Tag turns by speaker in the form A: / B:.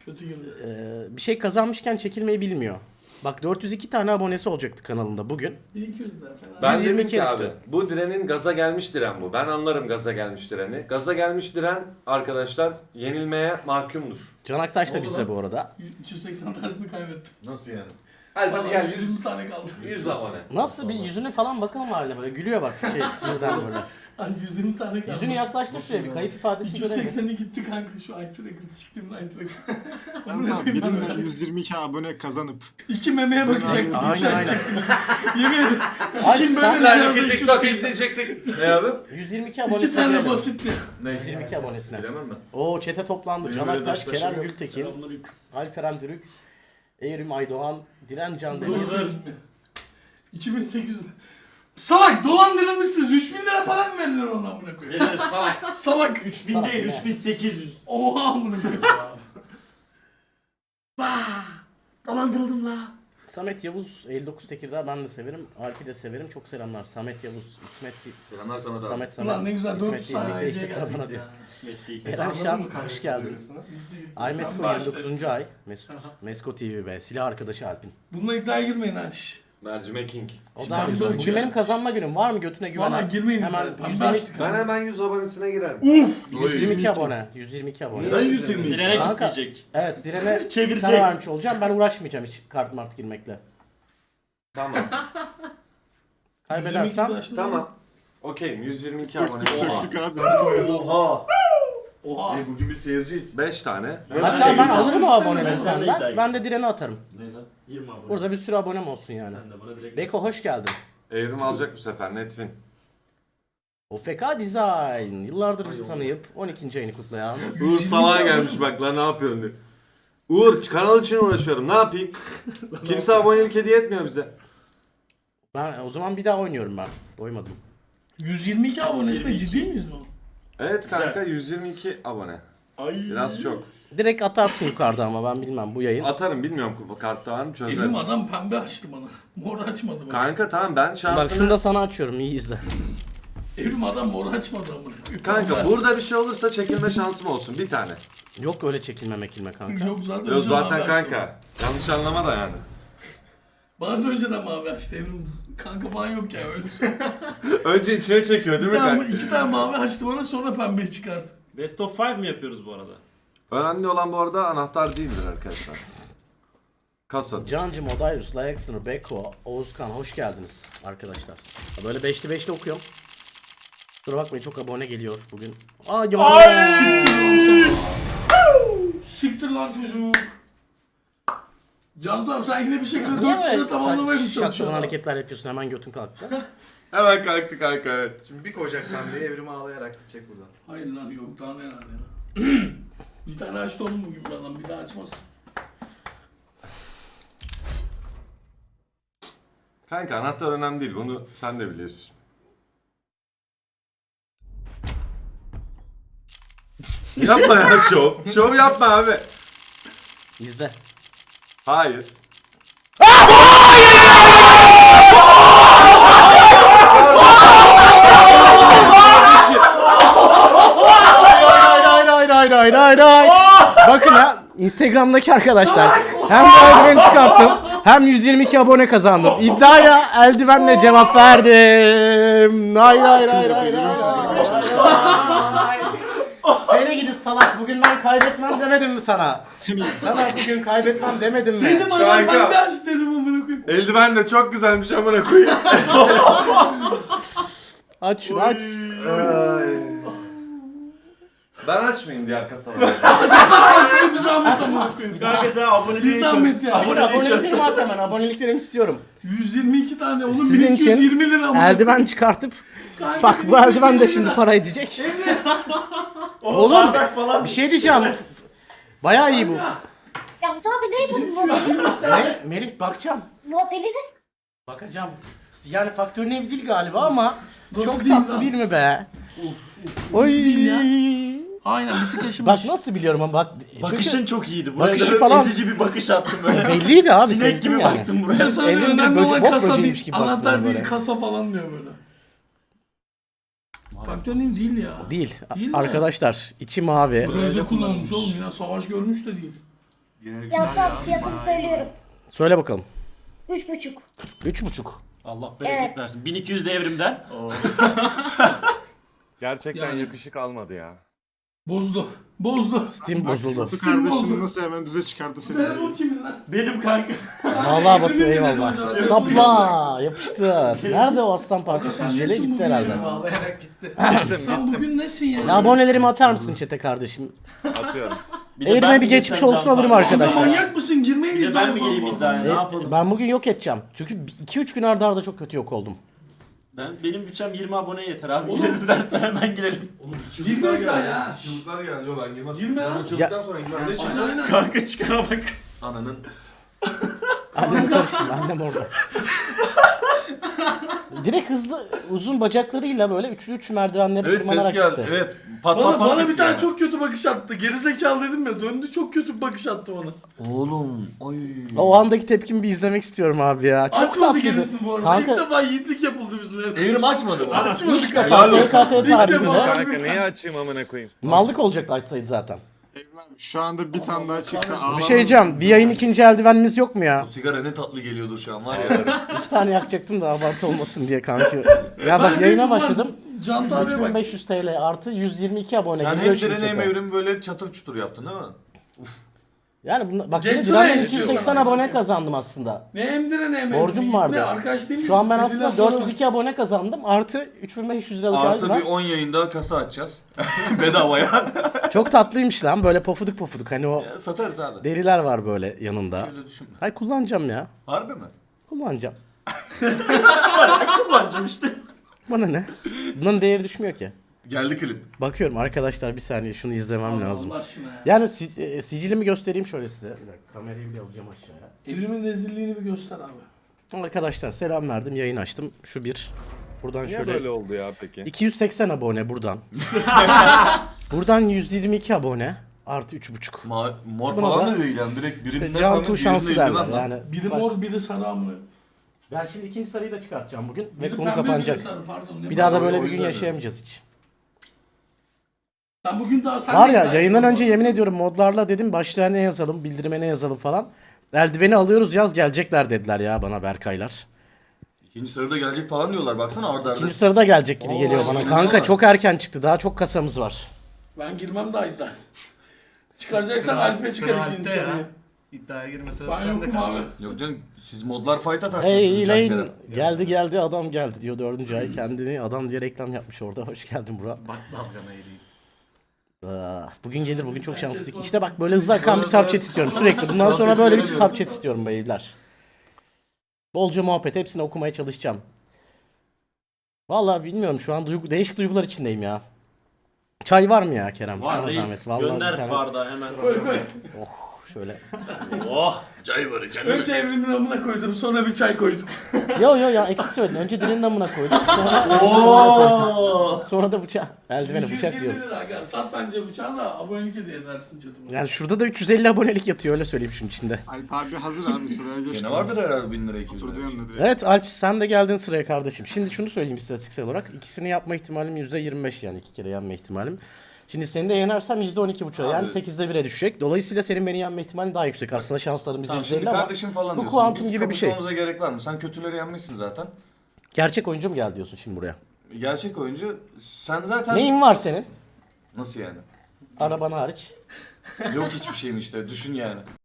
A: Kötü girdi.
B: Bir şey kazanmışken çekilmeyi bilmiyor. Bak 402 tane abonesi olacaktı kanalında bugün.
A: 1200 lira falan.
C: Ben
B: 122
C: dedim ki abi
B: düştü.
C: bu direnin gaza gelmiş diren bu. Ben anlarım gaza gelmiş direni. Gaza gelmiş diren arkadaşlar yenilmeye mahkumdur.
B: Can Aktaş da
A: Oldu
B: bizde
A: lan.
B: bu arada.
A: 280 tanesini kaybettim.
D: Nasıl yani?
C: Hadi gel
A: 120 tane kaldı.
C: 100 abone.
B: Nasıl bir yüzüne falan bakın ama haline böyle gülüyor bak sinirden böyle.
A: Hani 120 tane kaldı.
B: Yüzünü yaklaştır şuraya bir kayıp ifadesini görelim.
A: 280'i gitti kanka şu IT record. Siktim IT record.
E: Ben tabii birinden 122 abone kazanıp
A: 2 memeye bakacaktım.
B: Aynen, aynen.
A: Yemin ederim.
B: Ay,
A: Sikim
B: sen
A: böyle
C: Lan
A: cihazı
C: iki
A: 280.
C: TikTok izleyecektik. Ne abi?
B: 122
A: İki
B: abonesine
A: tane
B: girelim.
A: basitti.
D: Ne?
B: 122 abonesine.
D: Bilemem ben.
B: Oo çete toplandı.
D: Benim
B: Can
D: öyle
B: Aktaş,
D: Beşiktaş'ım
B: Kerem
D: yok.
B: Gültekin, Alperen Dürük, Evrim Aydoğan, Diren Can Deniz.
A: Dur. 2800. Salak dolandırılmışsınız. 3000 lira para mı verilir ona amına koyayım?
F: Verir salak.
A: Salak.
F: 3000 değil 3800.
A: Oha amına koyayım.
F: Dolandırıldım la.
B: Samet Yavuz 59 Tekirdağ ben de severim. Alp'i de severim. Çok selamlar. Samet Yavuz, İsmet,
D: Selamlar sana da.
B: Samet,
A: Ulan ne güzel 400
B: İsmet
A: tane
B: birlikte
A: hediye
B: işte bana
A: geldik
B: diyor.
A: ya.
F: İsmet değil.
B: Eren Şan hoş geldin. Ay
A: Ben
B: Mesko
A: başlarım.
B: 29. ay. Mesko TV be. Silah arkadaşı Alp'in.
A: Bununla iddiaya girmeyin ha. Şşş.
C: Mercimek King.
B: O
A: Şimdi
B: da
A: ben
B: bugün
A: böyle-
B: benim kazanma günüm. Var mı götüne güvenen?
A: Valla girmeyin
B: Hemen
A: iddiaya. Pembe
B: 122,
A: açtık.
C: Ben hemen 100 abonesine girerim.
A: Uf.
B: 122 abone. 122 abone.
D: Ben 120.
F: Direne
B: Kanka.
F: kitleyecek.
B: Evet direne
F: Çevirecek.
B: sana vermiş olacağım. Ben uğraşmayacağım hiç kart mart girmekle.
C: Tamam.
B: Kaybedersem
A: 122
C: Tamam. Okeyim 122 abone.
E: söktük abi.
D: Oha.
A: Oha.
D: Bugün bir seyirciyiz.
C: 5 tane.
B: hatta ben alırım o
A: Ben
B: aboneleri
F: de
B: senden.
F: iddiayım.
B: Ben de direne atarım.
D: Ne lan?
F: 20 abone.
B: Burada bir sürü abonem olsun yani.
F: Sen de bana direkt.
B: Beko hoş geldin.
C: Evrim alacak bu sefer Netwin.
B: OFK Design. Yıllardır bizi tanıyıp 12. ayını kutlayan.
C: Uğur salağa gelmiş bak lan ne yapıyorsun diye. Uğur kanal için uğraşıyorum ne yapayım? Kimse abonelik hediye etmiyor bize.
B: Ben o zaman bir daha oynuyorum ben. Doymadım.
A: 122 abonesine ciddi miyiz bu?
C: Evet kanka 122 abone.
F: Ay.
C: Biraz çok.
B: Direkt atarsın yukarıda ama ben bilmem bu yayın.
C: Atarım bilmiyorum kartta var mı çözerim.
A: Evrim adam pembe açtı bana. Mor açmadı bana.
C: Kanka tamam ben
B: Bak
C: şansını...
B: şunu da sana açıyorum iyi izle.
A: Evrim adam mor açmadı amına koyayım.
C: Kanka burada bir şey olursa çekilme şansım olsun bir tane.
B: Yok öyle çekilme mekilme kanka.
A: Yok zaten
C: Yok
A: önceden
C: zaten
A: mavi açtı
C: kanka. Yanlış anlama da yani.
A: bana. Bana da önceden mavi açtı Evrim. Kanka falan yok ya öyle şey.
C: Önce içine çekiyor değil mi kanka?
A: İki tane mavi açtı bana sonra pembeyi çıkardı.
F: Best of 5 mi yapıyoruz bu arada?
C: Önemli olan bu arada anahtar değildir arkadaşlar. Kasa.
B: Cancım, Odayrus, Layaksınır, Beko, Oğuzkan hoş geldiniz arkadaşlar. Böyle beşli beşli okuyorum. Kusura bakmayın çok abone geliyor bugün. Ay!
A: Siktir lan çocuk. Cantu abi sen yine bir şekilde
B: Niye
A: 400'e
B: böyle
A: tamamlamaya mı
B: şaklaban
A: çalışıyorsun?
B: hareketler yapıyorsun hemen götün kalktı.
C: Hemen kalktı kanka evet.
D: Şimdi bir koyacak pembeyi evrimi ağlayarak gidecek buradan.
A: Hayır lan yok daha neler ya. Bir tane açtı oğlum bugün bir adam bir daha açmaz.
C: Kanka anahtar önemli değil bunu sen de biliyorsun. Yapma ya şov. Şov yapma abi.
B: İzle.
C: Hayır. Hayır.
B: Bakın ha Instagram'daki arkadaşlar hem bu eldiveni çıkarttım hem 122 abone kazandım. İddiaya eldivenle cevap verdim. Hayır. Seni gidi salak bugün ben kaybetmem demedim mi sana? Sana bugün kaybetmem demedim mi?
A: Dedim adam
C: Kanka.
A: pembe açtı dedim amına koyayım.
C: Eldiven de çok güzelmiş amına koyayım.
B: Aç şunu aç.
C: Ben açmayayım diğer kasaları.
A: Bir zahmet amına koyayım.
F: Kanka sen aboneliği
A: Bir zahmet ya.
B: Aboneliklerimi at hemen aboneliklerimi istiyorum.
A: 122 tane oğlum
B: Sizin için
A: 1220 lira amına
B: eldiven çıkartıp
A: koyayım.
B: bak bu eldiven de şimdi para edecek. Oğlum bir şey diyeceğim. Bayağı iyi bu.
G: Cantu abi ne bu modeli?
B: Ne? Melih bakacağım.
G: Modeli ne?
B: Bakacağım. Yani faktörün ev değil galiba ama
A: Nasıl
B: çok
A: değil
B: tatlı
A: lan?
B: değil mi be? Oy.
A: değil ya? Aynen bir tık yaşamış.
B: Bak nasıl biliyorum ama bak.
F: Bakışın çok iyiydi. Buraya
B: Bakışı
F: da
B: falan-
F: ezici bir bakış attım böyle.
B: Belliydi abi
F: Sinek
B: sezdim
F: gibi
B: yani.
F: baktım
A: Bir
F: buraya.
A: de sana diyor,
B: Elinde
A: önemli olan
B: bok
A: kasa
B: böceğiymiş
A: değil,
B: gibi
A: anahtar
B: baktılar
A: değil
B: böyle.
A: kasa falan diyor böyle. Faktör neyim değil ya.
B: Değil.
A: Değil mi?
B: Arkadaşlar içi mavi.
A: Böyle kullanılmış oğlum yine savaş görmüş de değil.
G: Yakup abi fiyatını söylüyorum.
B: Söyle bakalım.
G: 3,5.
B: 3,5.
F: Allah bereket
G: Evet.
F: versin. 1200 de evrimden.
C: Gerçekten
A: Yani.
C: yakışık almadı ya.
A: Bozdu. Bozdu.
B: Steam bozuldu.
E: Batu kardeşini nasıl hemen düze çıkardı seni.
A: Ben o kimin lan?
F: Benim kanka.
B: Vallahi Batu
A: Yemin ederim
B: eyvallah.
A: acaba.
B: Sapla yapıştır. Nerede o aslan parçası?
A: Sen
B: Jele
A: nesin
B: gitti
A: bugün
B: herhalde.
A: ya?
D: Ağlayarak gitti.
A: Sen bugün nesin ya?
B: Ya abonelerimi atar mısın çete kardeşim?
C: Atıyorum.
F: Bir de
B: Eğrime
F: ben
B: bir
F: mi
B: geçmiş
F: geçsem
B: olsun
F: Can
B: alırım
F: Tanrı?
B: arkadaşlar.
A: Manyak mısın? Girmeyin
F: Bir de ben mi
A: iddiaya
F: gireyim
A: falan.
F: iddiaya? Ne yapalım?
B: Ben bugün yok edeceğim. Çünkü 2-3 gün arda arda çok kötü yok oldum.
F: Benim bütçem 20 abone yeter abi. Girelim dersen hemen girelim.
A: Girme iddia ya.
D: Çığlıklar geldi. Yok ben girmem.
A: Girme
D: Ben
A: lan.
D: o çığlıktan sonra girmem. Ne
A: Aynen
D: çığlığı?
A: aynen.
F: Kanka çıkara bak.
D: Ananın.
B: Annem karıştım, annem orada. Direkt hızlı, uzun bacaklarıyla böyle üçlü merdivenleri
D: Evet ses
B: tırmanarak
D: geldi.
B: gitti.
D: Evet. Pat pat pat.
A: Bana bir
D: gitti
A: tane
D: yani.
A: çok kötü bakış attı. Gerizekalı dedim ya. Döndü çok kötü bir bakış attı bana.
D: Oğlum. Ay.
B: O andaki tepkimi bir izlemek istiyorum abi ya. Çok
A: Açmadı
B: tatlıydı.
A: gerisini bu arada.
B: Kanka-
A: İlk defa yiğitlik yapıldı bizim evde.
D: Evrim açmadı mı?
A: Açmadık.
B: İlk defa TKT tarihinde
A: defa.
C: Kanka neyi açayım amına koyayım?
B: mallık olacaktı açsaydı zaten.
E: Evrim abi şu anda bir tane daha çıksa ağlamaz
B: Bir şey diyeceğim, bir yayın ikinci eldivenimiz yok mu ya?
D: O sigara ne tatlı geliyordur şu an var ya.
B: 2 tane yakacaktım da abartı olmasın diye kanki. Ya bak yayına başladım.
A: Can abiye bak.
B: 3500 TL artı 122 abone
D: Sen
B: geliyor
D: hem
B: şimdi
D: direne hem
B: chat'e.
D: evrimi böyle çatır çutur yaptın değil mi?
B: Yani bak bir de
A: Geçsene
B: Diren'den
A: istiyorsan
B: 280
A: abi.
B: abone kazandım aslında.
A: Ne emdire ne emdire.
B: Borcum vardı.
A: Ne arkadaş değil mi?
B: Şu an ben
A: Dediler
B: aslında
A: sonra-
B: 402 abone kazandım. Artı 3500 liralık
D: Artı bir
B: eldiven.
D: 10 yayında kasa açacağız. Bedavaya.
B: Çok tatlıymış lan böyle pofuduk pofuduk. Hani o
D: Ya, satarız abi.
B: deriler var böyle yanında.
D: Öyle düşünme.
B: Hayır kullanacağım ya.
D: Harbi mi?
B: Kullanacağım.
F: Kullanacağım işte.
B: Bana ne? Bunun değeri düşmüyor ki.
D: Geldi klip.
B: Bakıyorum arkadaşlar bir saniye şunu izlemem lazım.
A: Allah aşkına ya.
B: Yani sicilimi göstereyim şöyle size. Bir dakika kamerayı bile alacağım aşağıya.
A: Evrimin rezilliğini bir göster abi.
B: Arkadaşlar selam verdim yayın açtım. Şu bir. Buradan
C: Niye
B: şöyle.
C: böyle oldu ya peki?
B: 280 abone buradan. Buradan 122 abone. Artı 3,5.
D: Mor
B: Buna
D: falan
B: da-
D: da değil yani direkt birinden
B: İşte Cantu şansı derler yani.
A: Biri mor biri sarı amına.
B: Ben şimdi ikinci sarıyı da çıkartacağım bugün ve
A: Biri
B: konu
A: pembe,
B: kapanacak.
A: biri sarı, pardon. Ne
B: Bir daha da
A: pardon,
B: böyle
A: o
B: bir gün
A: yüzden.
B: yaşayamayacağız hiç.
A: Sen bugün daha sen
B: Var
A: de
B: ya
A: iddia
B: yayından
A: ettin
B: önce
A: bu
B: yemin ediyorum modlarla dedim başlığa ne yazalım, bildirime ne yazalım falan. Eldiveni alıyoruz yaz gelecekler dediler ya bana Berkaylar.
D: İkinci sırada gelecek falan diyorlar baksana arda arda.
B: İkinci sırada gelecek gibi geliyor bana.
D: yemin
B: Kanka
D: ediyorum.
B: çok erken çıktı daha çok kasamız var.
A: Ben girmem daha iddia. Çıkaracaksan Alp'e çıkar ikinci sarıyı.
D: İddiaya girme sırası
A: Ben yokum abi.
D: Yok canım siz modlar fight atarsınız.
B: Hey
D: Can
B: Lane
D: Kerem.
B: geldi adam geldi diyor 4. ay kendini adam diye reklam yapmış orada. Hoş geldin Burak.
D: Bak dalgana eğileyim.
B: Bugün gelir bugün çok şanslıydık. İşte bak böyle hızlı akan bir subchat istiyorum sürekli. Bundan sonra böyle bir subchat istiyorum beyler. Bolca muhabbet hepsini okumaya çalışacağım. Vallahi bilmiyorum şu an değişik duygular içindeyim ya. Çay var mı ya Kerem?
F: Var
B: Sana
F: reis.
B: zahmet. Vallahi bir
F: Gönder
B: tane-
F: bardağı hemen.
A: Koy koy.
B: Şöyle.
F: Oh.
D: Çay var canım.
A: Önce evrimin amına koydum sonra bir çay koyduk.
B: Yo ya eksik söyledin. Önce dilinin damına koyduk. Sonra,
F: Oo.
B: sonra da bıçağı. Eldiveni bıçak
A: 120
B: diyorum.
A: lira aga. Sat bence bıçağı da abonelik hediye edersin chatıma.
B: Yani şurada da 350 abonelik yatıyor öyle söyleyeyim şunun içinde.
E: Alp abi hazır abi sıraya geçti.
D: Gene vardır herhalde 1000 lira 2000
E: Oturdu
D: lira.
E: yanına direkt.
B: Evet Alp sen de geldin sıraya kardeşim. Şimdi şunu söyleyeyim istatistiksel olarak. İkisini yapma ihtimalim %25 yani 2 kere yenme ihtimalim. Şimdi seni de yenersem %12,5 yani
D: Abi.
B: 8'de 1'e düşecek. Dolayısıyla senin beni yenme ihtimalin daha yüksek. Aslında şanslarımız
D: Tamam şimdi
B: %50 ama
D: kardeşim falan
B: bu
D: diyorsun.
B: kuantum
D: Biz
B: gibi bir şey.
D: kapışmamıza gerek var mı? Sen kötüleri yenmişsin zaten.
B: gerçek oyuncu mu geldi diyorsun şimdi buraya?
D: Gerçek oyuncu sen zaten...
B: Neyin var senin?
D: Nasıl yani?
B: Araban hariç.
D: Yok hiçbir şeyin işte düşün yani.